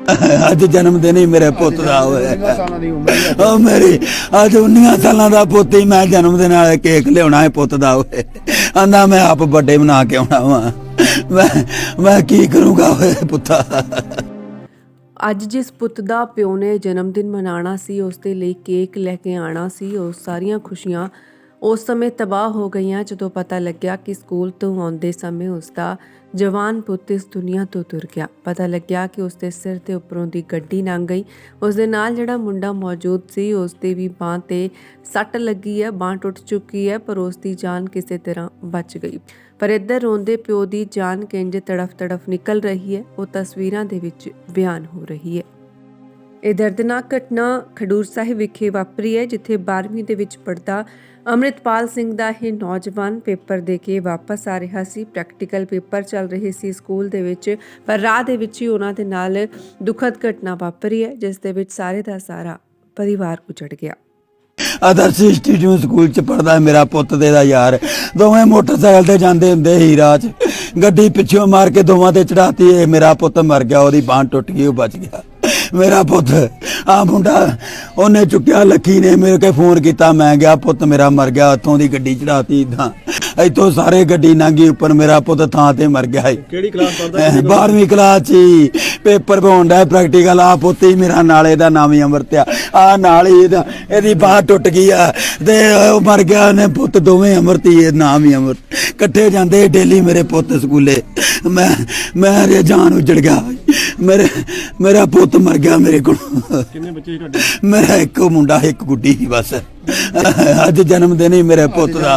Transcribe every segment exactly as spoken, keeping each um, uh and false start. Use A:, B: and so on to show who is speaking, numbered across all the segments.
A: अज जन्मदिन ही मेरे पुत का होया मेरी अज उन्नीस साल का पुत ही मैं जन्मदिन वाले केक लिया है पुत का होए आंदा मैं आप बर्थडे मना के आना वा मैं मैं की करूँगा पुत्ता।
B: ਅੱਜ ਜਿਸ ਪੁੱਤ ਦਾ ਪਿਓ ਨੇ ਜਨਮ ਦਿਨ ਮਨਾਉਣਾ ਸੀ ਉਸ ਦੇ ਲਈ ਕੇਕ ਲੈ ਕੇ ਆਉਣਾ ਸੀ, ਉਹ ਸਾਰੀਆਂ ਖੁਸ਼ੀਆਂ ਉਸ ਸਮੇਂ ਤਬਾਹ ਹੋ ਗਈਆਂ ਜਦੋਂ ਪਤਾ ਲੱਗਿਆ ਕਿ ਸਕੂਲ ਤੋਂ ਆਉਂਦੇ ਸਮੇਂ ਉਸ ਦਾ ਜਵਾਨ ਪੁੱਤ ਇਸ ਦੁਨੀਆ ਤੋਂ ਤੁਰ ਗਿਆ। ਪਤਾ ਲੱਗਿਆ ਕਿ ਉਸ ਦੇ ਸਿਰ ਦੇ ਉੱਪਰੋਂ ਦੀ ਗੱਡੀ ਲੰਘ ਗਈ। ਉਸ ਦੇ ਨਾਲ ਜਿਹੜਾ ਮੁੰਡਾ ਮੌਜੂਦ ਸੀ ਉਸ ਦੇ ਵੀ ਬਾਂਹ ਤੇ ਸੱਟ ਲੱਗੀ ਹੈ, ਬਾਂਹ ਟੁੱਟ ਚੁੱਕੀ ਹੈ, ਪਰ ਉਸ ਦੀ ਜਾਨ ਕਿਸੇ ਤਰ੍ਹਾਂ ਬਚ ਗਈ। ਪਰ ਇੱਧਰ ਰੋਂਦੇ ਪਿਓ ਦੀ ਜਾਨ ਕਿੰਜ ਤੜਫ ਤੜਫ ਨਿਕਲ ਰਹੀ ਹੈ, ਉਹ ਤਸਵੀਰਾਂ ਦੇ ਵਿੱਚ ਬਿਆਨ ਹੋ ਰਹੀ ਹੈ। ਇਹ ਦਰਦਨਾਕ ਘਟਨਾ ਖਡੂਰ ਸਾਹਿਬ ਵਿਖੇ ਵਾਪਰੀ ਹੈ, ਜਿੱਥੇ ਬਾਰ੍ਹਵੀਂ ਦੇ ਵਿੱਚ ਪੜ੍ਹਦਾ ਅੰਮ੍ਰਿਤਪਾਲ ਸਿੰਘ ਦਾ ਇਹ ਨੌਜਵਾਨ ਪੇਪਰ ਦੇ ਕੇ ਵਾਪਸ ਆ ਰਿਹਾ ਸੀ। ਪ੍ਰੈਕਟੀਕਲ ਪੇਪਰ ਚੱਲ ਰਹੇ ਸੀ ਸਕੂਲ ਦੇ ਵਿੱਚ, ਪਰ ਰਾਹ ਦੇ ਵਿੱਚ ਹੀ ਉਹਨਾਂ ਦੇ ਨਾਲ ਦੁਖਦ ਘਟਨਾ ਵਾਪਰੀ ਹੈ, ਜਿਸ ਦੇ ਵਿੱਚ ਸਾਰੇ ਦਾ ਸਾਰਾ ਪਰਿਵਾਰ ਉਜੜ ਗਿਆ।
A: आदर्श इंस्टीट्यूट स्कूल च पढ़दा मेरा पुत दे दा यार, दोवें मोटरसाइकिल ते जांदे हुंदे ही राह च, गड्डी पिछों मार के दोवां ते चढ़ाती। मेरा पुत मर गया, ओदी बांह टुट गई, वो बच गया। मेरा पुत आ मुंडा उन्हें चुक्या, लक्की ने मेरे के फोन किया, मैं गया पुत मेरा मर गया, उतों दी गड्डी चढ़ाती इदां इतों सारे गड्डी लंघी उपर, मेरा पुत थां ते मर गया।
C: किहड़ी क्लास पढ़दा?
A: बारहवीं क्लास च पेपर पाउण दा प्रैक्टिकल। आ पुत ही मेरा नाले दा नाम ही अमृत आ, आ नाल ही इहदी बांह टुट गई आ ते मर गया। ने पुत दोवें अमृत ही, नाम ही अमृत, कट्ठे जांदे डेली मेरे पुत स्कूले। मैं मैं जान उजड़ गया, मेरे मेरा पुत मर गया मेरे को।
C: कितने बच्चे ही ਤੁਹਾਡੇ?
A: मेरा एक मुंडा एक गुड्डी ही बस। अज जन्मदिन ही मेरे पुत का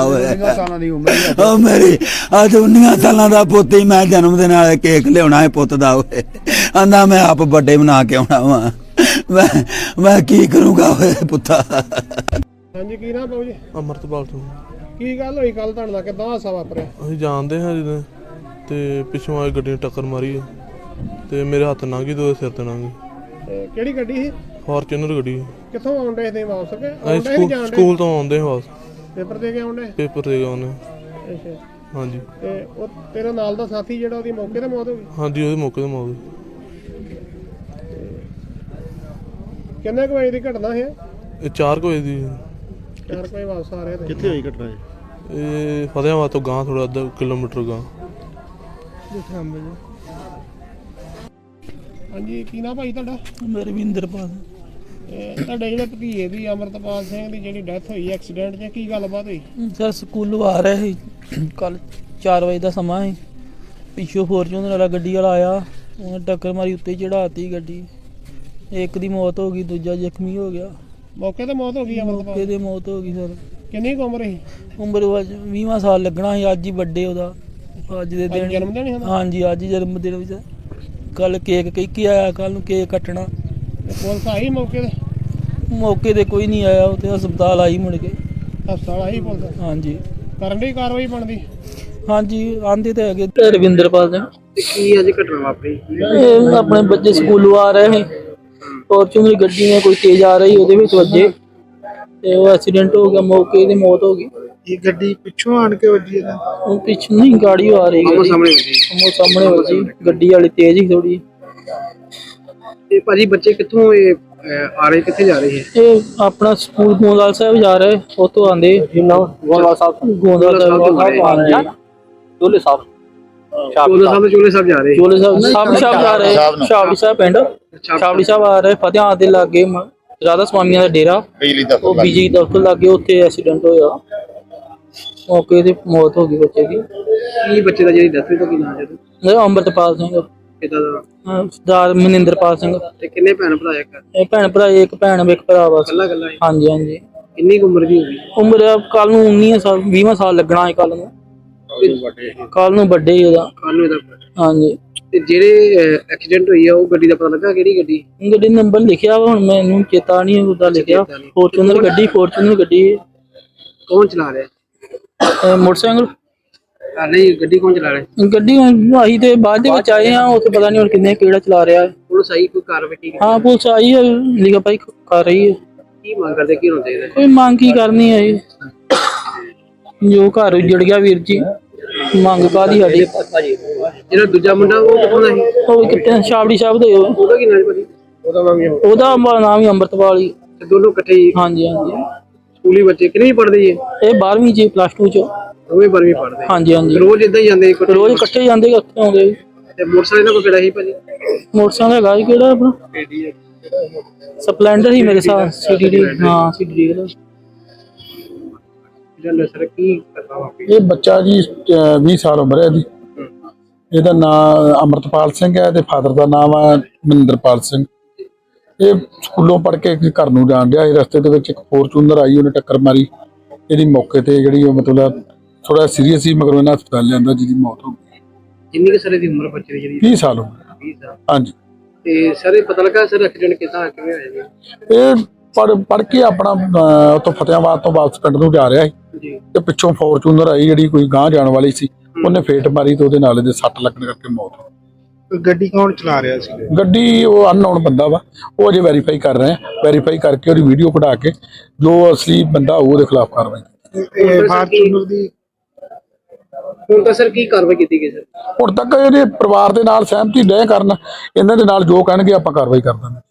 A: होया मेरी अज उन्नीस साल का पुत ही मैं जन्मदिन वाले केक लिया है पुत का होए आंदा मैं आप बर्थडे मना के आना वा मैं मैं की करूँगा पुत्ता।
C: ਹਾਂਜੀ ਕੀ ਨਾਮ ਬਾਬੂ ਜੀ?
D: ਅਮਰਤਪਾਲ ਸਿੰਘ।
C: ਕੀ ਗੱਲ ਹੋਈ ਕੱਲ ਤੁਹਾਡੇ ਨਾਲ, ਕਿੱਦਾਂ ਹਾਸਾ ਵਾਪਰਿਆ?
D: ਅਸੀਂ ਜਾਣਦੇ ਹਾਂ ਜਦੋਂ ਤੇ ਪਿੱਛੋਂ ਆਈ ਗੱਡੀ ਨੇ ਟੱਕਰ ਮਾਰੀ ਤੇ ਮੇਰੇ ਹੱਥ ਲੰਘ ਗਈ ਤੇ ਉਹਦੇ ਸਿਰ ਤੇ ਲੰਘ ਗਈ।
C: ਤੇ ਕਿਹੜੀ ਗੱਡੀ ਸੀ?
D: ਫਾਰਚੂਨਰ ਗੱਡੀ।
C: ਕਿੱਥੋਂ ਆਉਣ ਡਏ ਸੀ ਵਾਪਸ ਕੇ?
D: ਅਸੀਂ
C: ਆਉਣ ਡਏ ਸੀ
D: ਸਕੂਲ
C: ਜਾਣ ਡਏ?
D: ਸਕੂਲ ਤੋਂ ਆਉਂਦੇ ਹਾਂ ਬਸ,
C: ਪੇਪਰ ਦੇ ਕੇ ਆਉਣ ਡਏ?
D: ਪੇਪਰ ਦੇ ਗਏ ਉਹਨੇ।
C: ਅੱਛਾ।
D: ਹਾਂਜੀ
C: ਤੇ ਉਹ ਤੇਰੇ ਨਾਲ ਦਾ ਸਾਥੀ ਜਿਹੜਾ, ਉਹਦੀ ਮੌਕੇ ਤੇ ਮੌਤ ਹੋ ਗਈ?
D: ਹਾਂਜੀ ਉਹਦੇ ਮੌਕੇ ਤੇ ਮੌਤ ਹੋਈ।
C: ਕਿੰਨੇ ਕੁ ਵਜੇ ਦੀ ਘਟਨਾ ਹੈ?
D: ਇਹ ਚਾਰ ਕੁ ਵਜੇ ਦੀ।
C: ਚਾਰ ਕੁ ਵਜੇ ਵਾਪਸ ਆ ਰਹੇ ਤੇ?
E: ਕਿੱਥੇ ਹੋਈ ਘਟਨਾ ਇਹ?
D: ਇਹ ਫਤਿਆਬਾਦ ਤੋਂ ਗਾਂ ਥੋੜਾ ਅੱਧਾ ਕਿਲੋਮੀਟਰ ਗਾਂ।
C: ਹਾਂਜੀ ਕੀ ਨਾਮ ਭਾਈ ਤੁਹਾਡਾ?
A: ਰਵਿੰਦਰਪਾਲ।
C: ਇਹ ਤੁਹਾਡੇ ਜਿਹੜੇ ਭਤੀਜੇ ਦੀ ਅੰਮ੍ਰਿਤਪਾਲ ਸਿੰਘ ਦੀ ਜਿਹੜੀ ਡੈਥ ਹੋਈ ਐਕਸੀਡੈਂਟ 'ਚ, ਕੀ ਗੱਲਬਾਤ ਹੋਈ?
F: ਸਰ ਸਕੂਲੋਂ ਆ ਰਹੇ ਸੀ ਕੱਲ ਚਾਰ ਵਜੇ ਦਾ ਸਮਾਂ ਸੀ, ਪਿੱਛੋਂ ਫੋਰਚੂਨਰ ਵਾਲਾ ਗੱਡੀ ਵਾਲਾ ਆਇਆ, ਉਹਨੇ ਟੱਕਰ ਮਾਰੀ, ਉੱਤੇ ਚੜਾਤੀ ਗੱਡੀ। ਇੱਕ ਦੀ ਮੌਤ ਹੋ ਗਈ, ਦੂਜਾ ਜ਼ਖਮੀ ਹੋ ਗਿਆ।
C: ਮੌਕੇ ਤੇ ਮੌਤ ਹੋ ਗਈ
F: ਮੌਕੇ
C: ਅੰਮ੍ਰਿਤਪਾਲ?
F: ਤੇ ਮੌਤ ਹੋ ਗਈ ਸਰ।
C: ਕਿੰਨੀ ਕੁ ਉਮਰ ਸੀ?
F: ਉਮਰ ਅੱਜ ਵੀਹਾਂ ਸਾਲ ਲੱਗਣਾ ਸੀ, ਅੱਜ ਹੀ ਬਰਥਡੇ ਉਹਦਾ, ਅੱਜ ਦੇ
C: ਅੱਜ
F: ਦਿਨ।
C: ਜਨਮ ਦਿਨ ਸੀ ਉਹਦਾ?
F: ਹਾਂਜੀ ਅੱਜ ਜਨਮ ਦਿਨ ਵਿੱਚ। ਕੱਲ ਕੇਕ ਕਹਿ ਕੇ ਆਇਆ, ਕੱਲ ਨੂੰ ਕੇਕ ਕੱਟਣਾ।
C: ਤੇ ਪੁਲਿਸ ਆਈ ਮੌਕੇ ਤੇ?
F: ਮੌਕੇ ਤੇ ਕੋਈ ਨਹੀਂ ਆਇਆ, ਉੱਥੇ ਹਸਪਤਾਲ ਆਈ ਮੁੜ ਕੇ।
C: ਹਸਪਤਾਲ ਆਈ ਪੁਲਿਸ?
F: ਹਾਂਜੀ
C: ਕਰਨ ਦੀ ਕਾਰਵਾਈ ਬਣਦੀ?
F: ਹਾਂਜੀ ਆਂਦੇ ਤੇ ਹੈਗੇ। ਰਵਿੰਦਰਪਾਲ ਸਿੰਘ।
C: ਕੀ ਅੱਜ ਘਟਨਾ ਵਾਪਰੀ?
F: ਇਹ ਆਪਣੇ ਬੱਚੇ ਸਕੂਲੋਂ ਆ ਰਹੇ ਸੀ, ਫੋਰਚੂਨਰ ਗੱਡੀ ਨੇ ਕੋਈ ਤੇਜ਼ ਆ ਰਹੀ ਉਹਦੇ ਵਿੱਚ ਵੱਜੇ ਤੇ ਉਹ ਐਕਸੀਡੈਂਟ ਹੋ ਗਿਆ, ਮੌਕੇ ਤੇ ਮੌਤ ਹੋ ਗਈ।
E: ਇਹ ਗੱਡੀ ਪਿੱਛੋਂ ਆਣ ਕੇ ਵੱਜੀ ਇਹਦਾ?
F: ਉਹ ਪਿੱਛੇ ਨਹੀਂ ਗਾੜੀ ਆ ਰਹੀ ਗੱਡੀ,
C: ਸਾਹਮਣੇ ਵੱਜੀ?
F: ਉਹ ਸਾਹਮਣੇ ਵੱਜੀ, ਗੱਡੀ ਵਾਲੀ ਤੇਜ਼ ਹੀ ਥੋੜੀ।
C: ਤੇ ਭਾਜੀ ਬੱਚੇ ਕਿੱਥੋਂ ਇਹ ਅਹ, ਆ ਰਹੇ, ਕਿੱਥੇ ਜਾ ਰਹੇ ਹੈ?
F: ਇਹ ਆਪਣਾ ਸਕੂਲ ਗੋਂਦਵਾਲ ਸਾਹਿਬ ਜਾ ਰਹੇ, ਉੱਥੋਂ ਆਂਦੇ ਗੋਂਦਵਾਲ ਸਾਹਿਬ ਗੋਂਦਵਾਲ ਸਾਹਿਬ ਹਾਂਜੀ ਚੋਲੇ ਸਾਹਿਬ
C: ਚੋਲੇ ਸਾਹਿਬ ਤੋਂ ਚੋਲੇ ਸਾਹਿਬ ਜਾ ਰਹੇ?
F: ਚੋਲੇ ਸਾਹਿਬ ਸਾਹਿਬ ਸਾਹਿਬ ਜਾ ਰਹੇ, ਸ਼ਾਬੜੀ ਸਾਹਿਬ ਪਿੰਡ ਸ਼ਾਬੜੀ ਸਾਹਿਬ ਆ ਰਹੇ। ਫਤਿਆਬਾਦ ਦੇ ਲਾਗੇ ਰਾਧਾ ਸਵਾਮੀਆਂ ਦਾ ਡੇਰਾ,
E: ਬਿਜਲੀ ਦਾ
F: ਉਹ ਬਿਜਲੀ ਦਫ਼ਤਰ ਲਾਗੇ, ਉੱਥੇ ਐਕਸੀਡੈਂਟ ਹੋਇਆ, ਮੌਕੇ ਤੇ ਮੌਤ ਹੋ ਗਈ ਬੱਚੇ ਦੀ।
C: ਕੀ ਬੱਚੇ ਦਾ ਜਿਹੜੀ ਡੈਥ ਹੋਈ ਤਾਂ ਕੀ ਨਾਮ ਹੈ?
F: ਇਹ ਅੰਮ੍ਰਿਤਪਾਲ ਸਿੰਘ।
C: ਕਿੱਦਾਂ ਦਾ?
F: ਹਾਂ, ਸਰਦਾਰ ਮਨਿੰਦਰਪਾਲ ਸਿੰਘ।
C: ਤੇ ਕਿੰਨੇ ਭੈਣ ਭਰਾ ਇੱਕ?
F: ਇਹ ਭੈਣ ਭਰਾ, ਇੱਕ ਭੈਣ ਇੱਕ ਭਰਾ ਬਸ।
C: ਕੱਲਾ ਕੱਲਾ?
F: ਹਾਂਜੀ ਹਾਂਜੀ।
C: ਕਿੰਨੀ ਕੁ ਉਮਰ ਦੀ ਹੋਗੀ?
F: ਉਮਰ ਕੱਲ ਨੂੰ ਉੱਨੀ ਸਾਲ ਵੀਹਾਂ ਸਾਲ ਲੱਗਣਾ ਹੈ ਕੱਲ ਨੂੰ। ਕੱਲ ਨੂੰ ਵੱਡੇ ਹੀ ਉਹਦਾ।
C: ਕੱਲ ਨੂੰ ਇਹਦਾ?
F: ਹਾਂਜੀ।
C: ਤੇ ਜਿਹੜੇ ਐਕਸੀਡੈਂਟ ਹੋਈ ਆ ਉਹ ਗੱਡੀ ਦਾ ਪਤਾ ਲੱਗਾ ਕਿਹੜੀ ਗੱਡੀ?
F: ਗੱਡੀ ਨੰਬਰ ਲਿਖਿਆ ਵਾ, ਹੁਣ ਮੈਨੂੰ ਚੇਤਾ ਨਹੀਂ ਉਹਦਾ ਲਿਖਿਆ। ਫੋਰਚੂਨਰ ਗੱਡੀ, ਫੋਰਚੂਨਰ ਗੱਡੀ।
C: ਕੌਣ ਚਲਾ ਰਿਹਾ?
F: ਇਹ ਮੋਟਰਸਾਈਕਲ
C: ਨਹੀਂ, ਗੱਡੀ ਕੌਣ ਚਲਾ ਰਿਹਾ?
F: ਗੱਡੀ ਹੁਣ ਅਸੀਂ ਤੇ ਬਾਅਦ ਦੇ ਵਿੱਚ ਆਏ ਹਾਂ, ਉੱਥੇ ਪਤਾ ਨਹੀਂ ਹੁਣ ਕਿੰਨੇ ਕਿਹੜਾ ਚਲਾ ਰਿਹਾ ਹੈ।
C: ਪੁਲਿਸ ਆਈ, ਕੋਈ ਕਾਰਵਾਈ ਕੀਤੀ?
F: ਹਾਂ ਪੁਲਿਸ ਆਈ ਹੈ, ਲਿਖਾ ਭਾਈ ਕਰ ਰਹੀ ਹੈ।
C: ਕੀ ਮੰਗ ਕਰਦੇ, ਕੀ ਹੋਣਾ ਚਾਹੀਦਾ?
F: ਕੋਈ ਮੰਗ ਕੀ ਕਰਨੀ ਹੈ ਜੀ, ਜੋ ਘਰ ਉਜੜ ਗਿਆ ਵੀਰ ਜੀ, ਮੰਗ ਕਾਹਦੀ ਸਾਡੀ?
C: ਜਿਹੜਾ ਦੂਜਾ ਮੁੰਡਾ ਉਹ ਕਿੱਥੋਂ ਦਾ ਸੀ?
F: ਉਹ ਵੀ ਕਿਤੇ ਛਾਬੜੀ ਸਾਹਿਬ ਦੇ ਉਹ।
C: ਉਹਦਾ ਕੀ ਨਾਮ ਭਾਜੀ? ਉਹਦਾ ਨਾਮ ਹੀ ਆ।
F: ਉਹਦਾ ਮ- ਨਾਮ ਹੀ ਅੰਮ੍ਰਿਤਪਾਲ ਹੀ।
C: ਤੇ ਦੋਨੋਂ ਇਕੱਠੇ ਹੀ
F: ਹਾਂਜੀ ਹਾਂਜੀ
C: ਸਕੂਲੀ ਬੱਚੇ ਕਿੰਨੀ ਪੜ੍ਹਦੇ ਜੀ?
F: ਇਹ ਬਾਰਵੀਂ ਚ ਪਲੱਸ ਟੂ ਚ।
C: ਦੋਵੇਂ ਬਾਰਵੀਂ ਪੜ੍ਹਦੇ।
F: ਹਾਂਜੀ ਹਾਂਜੀ
C: ਰੋਜ਼ ਇਦਾਂ ਹੀ ਜਾਂਦੇ ਇਕੱਠੇ?
F: ਰੋਜ਼ ਇਕੱਠੇ ਜਾਂਦੇ ਇਕੱਠੇ ਆਉਂਦੇ।
C: ਤੇ ਮੋਟਰਸਾਈਕਲ ਨਾਲ ਕੋਈ ਕਿਹੜਾ ਸੀ ਭਾਜੀ?
F: ਮੋਟਰਸਾਈਕਲ ਹੈਗਾ ਸੀ ਕਿਹੜਾ ਆਪਣਾ ਸਪਲੈਂਡਰ ਹੀ ਮੇਰੇ ਸਾਹ ਸੀਡੀ ਹਾਂ ਸੀਡੀ ਦਾ।
C: ਜਿਹੜਾ ਸਰ ਕੀ ਕਰਦਾ ਵਾਪੀ?
G: ਇਹ ਬੱਚਾ ਜੀ ਅਹ ਵੀਹ ਸਾਲ ਉਮਰ ਹੈ ਇਹਦੀ। ਇਹਦਾ ਨਾਮ ਅਮਰਤਪਾਲ ਸਿੰਘ ਹੈ ਤੇ ਫਾਦਰ ਦਾ ਨਾਮ ਹੈ ਮਨਿੰਦਰਪਾਲ ਸਿੰਘ। ਇਹ ਸਕੂਲੋਂ ਪੜ੍ਹ ਕੇ ਘਰ ਨੂੰ ਜਾਣ ਡਿਆ ਸੀ। ਰਸਤੇ ਦੇ ਵਿੱਚ ਇੱਕ ਫੋਰਚੂਨਰ ਆਈ, ਉਹਨੇ ਟੱਕਰ ਮਾਰੀ। ਇਹਦੀ ਮੌਕੇ ਤੇ ਜਿਹੜੀ ਉਹ ਮਤਲਬ ਥੋੜਾ ਸੀਰੀਅਸ ਸੀ, ਮਗਰ ਇਹਨਾਂ ਹਸਪਤਾਲ ਲਿਆਂਦਾ ਜਿਹਦੀ ਮੌਤ ਹੋ ਗਈ।
C: ਕਿੰਨੀ ਕੁ ਸਾਰੇ ਦੀ ਉਮਰ ਬੱਚੇ ਦੀ ਜਿਹੜੀ?
G: ਵੀਹ ਸਾਲ ਉਮਰ।
C: ਵੀਹ ਸਾਲ।
G: ਹਾਂਜੀ।
C: ਤੇ ਸਰ ਇਹ ਪਤਾ ਲੱਗਾ ਸਰ ਐਕਸੀਡੈਂਟ ਕਿੱਦਾਂ ਕਿਵੇਂ ਹੋਇਆ ਜੀ?
G: ਇਹ ਪੜ੍ਹ ਪੜ੍ਹ ਕੇ ਆਪਣਾ ਅਹ, ਉੱਥੋਂ ਫਤਿਆਬਾਦ ਤੋਂ ਵਾਪਸ ਪਿੰਡ ਨੂੰ ਜਾ ਰਿਹਾ ਸੀ
C: ਜੀ।
G: ਤੇ ਪਿੱਛੋਂ ਫੋਰਚੂਨਰ ਆਈ ਜਿਹੜੀ ਕੋਈ ਗਾਂਹ ਜਾਣ ਵਾਲੀ ਸੀ। ਉਹਨੇ ਫੇਟ ਮਾਰੀ ਤੇ ਉਹਦੇ ਨਾਲ ਇਹਦੇ ਸੱਟ ਲੱਗਣ ਕਰਕੇ ਮੌਤ ਹੋ ਗਈ।
E: ਗੱਡੀ ਕੌਣ ਚਲਾ ਰਿਹਾ ਸੀ?
G: ਗੱਡੀ ਉਹ ਅਨਨੋਨ ਬੰਦਾ ਵਾ, ਉਹ ਅਜੇ ਵੈਰੀਫਾਈ ਕਰ ਰਹੇ ਆ। ਵੈਰੀਫਾਈ ਕਰਕੇ ਉਹਦੀ ਵੀਡੀਓ ਕਢਾ ਕੇ ਜੋ ਅਸਲੀ ਬੰਦਾ ਹੋਊ ਉਹਦੇ ਖਿਲਾਫ ਕਾਰਵਾਈ।
E: ਇਹ ਫਾਰਚੂਨਰ ਦੀ
C: ਹੁਣ ਤਾਂ ਸਰ ਕੀ ਕਾਰਵਾਈ ਕੀਤੀ ਗਈ ਸਰ?
G: ਹੁਣ ਤੱਕ ਇਹਦੇ ਪਰਿਵਾਰ ਦੇ ਨਾਲ ਸਹਿਮਤੀ ਡੈ ਕਰਨ, ਇਹਨਾਂ ਦੇ ਨਾਲ ਜੋ ਕਹਿਣਗੇ ਆਪਾਂ ਕਾਰਵਾਈ ਕਰ ਦਾਂਗੇ।